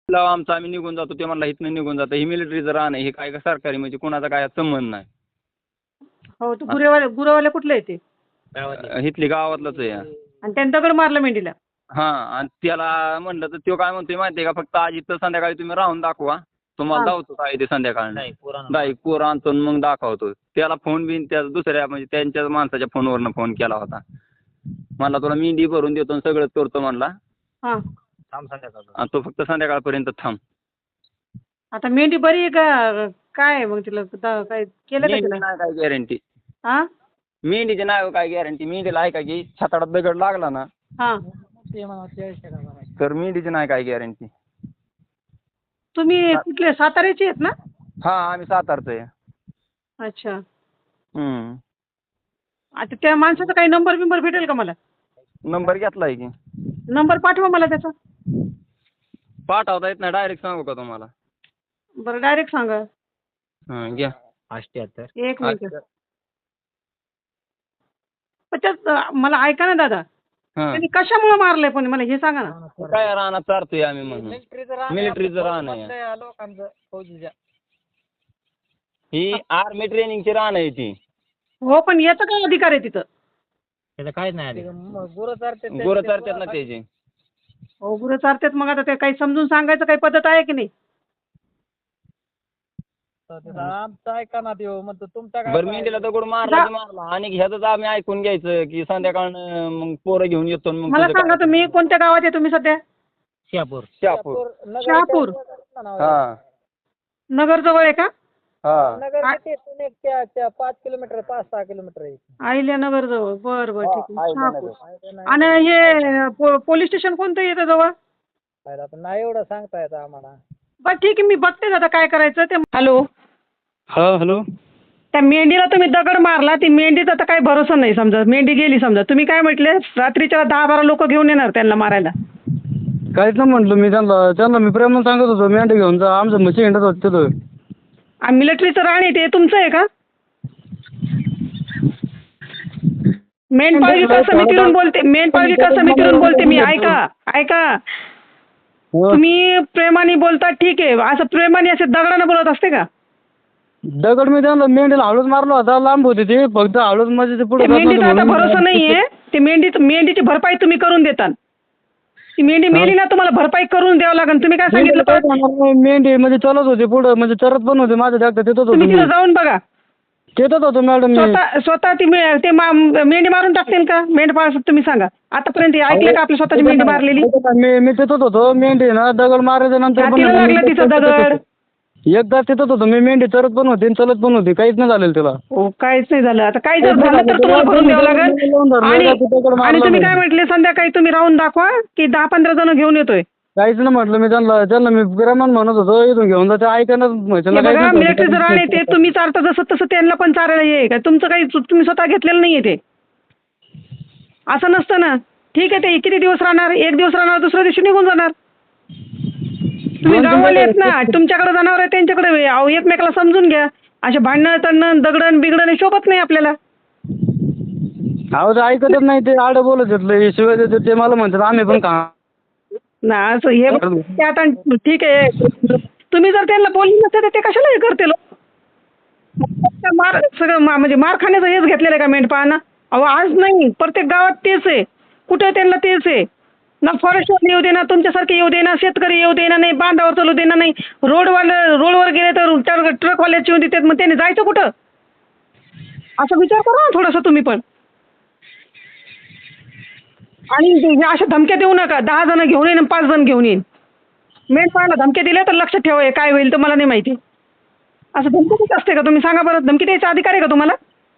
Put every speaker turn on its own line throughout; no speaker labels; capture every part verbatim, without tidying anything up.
लावा आमचं आम्ही निघून जातो, ते म्हणला इथनं निघून जातं. ही मिलिटरीचं रान आहे, हे काय का सरकारी म्हणजे कोणाचा काय संबंध नाही.
हो तो गुरेवाले गुरेवाले कुठले आहे ते?
अं, इथली गावातलंच आहे.
आणि त्यांनी दगड मारलं मेंढीला.
हा आणि त्याला म्हणलं तर तो काय म्हणतोय माहितीये का, फक्त आज इथं संध्याकाळी तुम्ही राहून दाखवा, तुम्हाला
हा.
दावतो काय ते संध्याकाळी डायरेक्ट पोर आणतो आणि मग दाखवतो. त्याला फोन बिन त्या दुसऱ्या म्हणजे त्यांच्या माणसाच्या फोनवरनं फोन केला होता. म्हणला तुला मेंढी भरून देतो आणि सगळंच करतो म्हणला.
हा.
आणि तो फक्त संध्याकाळपर्यंत थांब.
आता मेंढी बरी आहे का काय आहे मग तिला द- काय केलं का
मेंढीची
तिला?
नाही काय गॅरंटी,
हा
मेंढीची नाही काय गॅरंटी. मेंढीला आहे का की छाताडात दगड लागला ना
हा.
तर मेंढीची नाही काय गॅरंटी.
तुम्ही कुठले साताऱ्याचे आहेत ना?
हा आम्ही सातारचं आहे.
अच्छा.
हम्म.
आता त्या माणसाचा काही नंबर बिंबर भेटेल का मला?
नंबर घेतलाय की.
नंबर पाठवा मला त्याचा.
पाठवता येत नाही, डायरेक्ट सांगू का तुम्हाला?
बरं डायरेक्ट सांगा.
हा घ्या.
एक मिनिट. पण त्यात मला ऐका ना दादा,
हा
त्यांनी कशामुळे मारलंय पण मला हे सांगा ना.
काय रानात चारतोय आम्ही म्हणून. मिलिटरीचं रान आहे. ही आर्मी ट्रेनिंगची रान आहे ती.
हो पण याचा काय अधिकार आहे तिथं?
गुरं चारतात ना त्याची.
हो गुरं चारतात, मग आता ते काही समजून सांगायचं काही पद्धत आहे की नाही?
बरं मेंढीला दगड मारला की मारला आणि ह्याच आम्ही ऐकून घ्यायचं की संध्याकाळनं मग पोरं घेऊन येतो आणि मग
मला
तुझं
सांगा
काय?
तुम्ही कोणत्या गावात आहे तुम्ही सध्या?
शहापूर. शहापूर.
शहापूर
हा
नगर जवळ आहे का?
हा
पाच किलोमीटर पाच सहा किलोमीटर आहे.
आहिल्या नगर जवळ. बरं बरं ठीक आहे.
हा,
शहापूर. आणि हे पो- पोलीस स्टेशन कोणतं येतं जवळ?
आता नाही एवढं सांगता येतं आम्हाला.
बरं ठीक आहे, मी बघते आता काय करायचं ते. हॅलो,
हा हॅलो.
त्या मेंढीला तुम्ही दगड मारला, ती मेंढीचा आता काही भरोसा नाही. समजा मेंढी गेली, समजा तुम्ही काय म्हटले रात्रीच्या दहा बारा लोक घेऊन येणार त्यांना मारायला.
काहीच नाही म्हटलं मी त्यांना त्यांना मी प्रेमानं सांगत होतो मेंढी घेऊन जा, आमचं म्हशी हिंडत होत तिथं.
आणि मिलिटरीचं रान आहे ते तुमचं आहे का? मेंढपाळ विकास समितीवरून बोलते, मेंढपाळ विकास समितीवरून बोलते मी. ऐका ऐका, तुम्ही प्रेमाने बोलता ठीक आहे, असं प्रेमाने असे दगडानं बोलत असते का?
दगड मी त्यांना मेंढीला हळूच मारला होता, लांब होती ती फक्त हळूच म्हणजे ते पुढे
ते मेंढीचा आता भरोसा नाहीये. ते मेंढी मेंढीची भरपाई तुम्ही करून देता. ती मेंढी मेली ना, तुम्हाला भरपाई करून द्यावं लागेल. तुम्ही काय सांगितलं परत?
मेंढी म्हणजे चलत होती पुढे, म्हणजे चरत पण होते माझ्या जागत तिथंच
तुम्ही तिथं
होतो
जाऊन बघा.
तिथंच होतो मॅडम मी.
स्वतः स्वतः ती मे- ते मा- मेंढी मारून टाकतील का मेंढपाळ? तुम्ही सांगा आतापर्यंत हे ऐकलं का आपली स्वतःची मेंढी मारलेली?
मी मी तिथंच होतो, मेंढी ना दगड मारायच्या नंतर पण
छातीला लागलं तिचं दगड.
एकदा तिथंच होतो मी, मेंढी चरत पण होती आणि चलत पण होती, काहीच नाही झालेलं तिला.
हो काहीच नाही झालं. आता काही जर झालं तर तुम्हाला भरून द्यावं लागेल. आणि आणि तुम्ही काय म्हटले संध्याकाळी तुम्ही राहून दाखवा की दहा पंधरा जण घेऊन येतोय?
काहीच नाही म्हटलं मी त्यांना त्यांना मी प्रेमान म्हणत होतो इथून घेऊन जा, ते ऐकायलाच
हे बघा मिलिटरीचं रान आहे ते, तुम्ही चारता जसं तसं त्यांना पण चारायला ये काय तुमचं काही चु- तुम्ही स्वतः घेतलेलं नाहीये ते. असं नसतं ना. ठीक आहे, ते किती दिवस राहणार? एक दिवस राहणार, दुसऱ्या दिवशी निघून जाणार. तुम्ही गावाला येत ना, तुमच्याकडे जनावर आहे त्यांच्याकडे वे- अहो एकमेकाला समजून घ्या. असे भांडणं तणणं दगडण बिगडण हे शोभत नाही आपल्याला.
अहो ते ऐकतच नाही, ते आडं बोलत घेतलं शिवाय देतात, ते मला म्हणतात आम्ही पण का
ना असं हे ते आता ठीक आहे. तुम्ही जर त्यांना बोलले नसते तर ते कशाला हे करतील? मार सगळं मा- म्हणजे मार खाण्याचं हेच घेतलेलं आहे का मेंढपाळांना? अहो आज नाही, प्रत्येक गावात तेच आहे. कुठे त्यांना तेच आहे ना. फॉरेस्टवर येऊ दे ना, तुमच्यासारखे येऊ दे ना, शेतकरी येऊ दे ना, नाही बांधावर चालू दे ना, नाही रोडवाले रोडवर गेले तर ट्रक ट्रकवाल्याची येऊन देतात. मग त्यांनी जायचं कुठं? असा विचार करा ना थोडासा तुम्ही पण. आणि हे अशा धमक्या देऊ नका. दहा जण घेऊन येईन आणि पाच जण घेऊन येईन. मेंढपाळाला धमक्या दिल्या तर लक्षात ठेवा, हे काय होईल तर मला नाही माहिती. असं धमकी देत असते का? तुम्ही सांगा बरं, धमकी द्यायचा अधिकार आहे का तुम्हाला?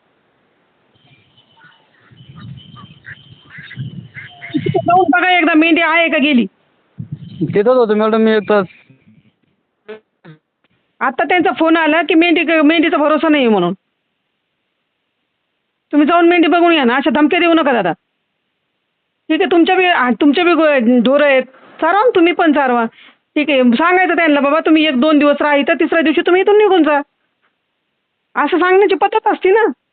जाऊन बघा एकदा मेंढी आहे का गेली.
तिथंच होतो मॅडम मी एक तास.
आता त्यांचा फोन आला की मेंढी मेंढीचा भरोसा नाही म्हणून. तुम्ही जाऊन मेंढी बघून या ना. अशा धमक्या देऊ नका दादा. ठीक आहे, तुमच्या बी तुमच्या बी ढोरं आहेत, चारवा ना तुम्ही पण चारवा. ठीक आहे, सांगायचं त्यांना बाबा तुम्ही एक दोन दिवस राहा इथं, तिसऱ्या दिवशी तुम्ही इथून निघून जा. असं सांगण्याची पद्धत असते ना.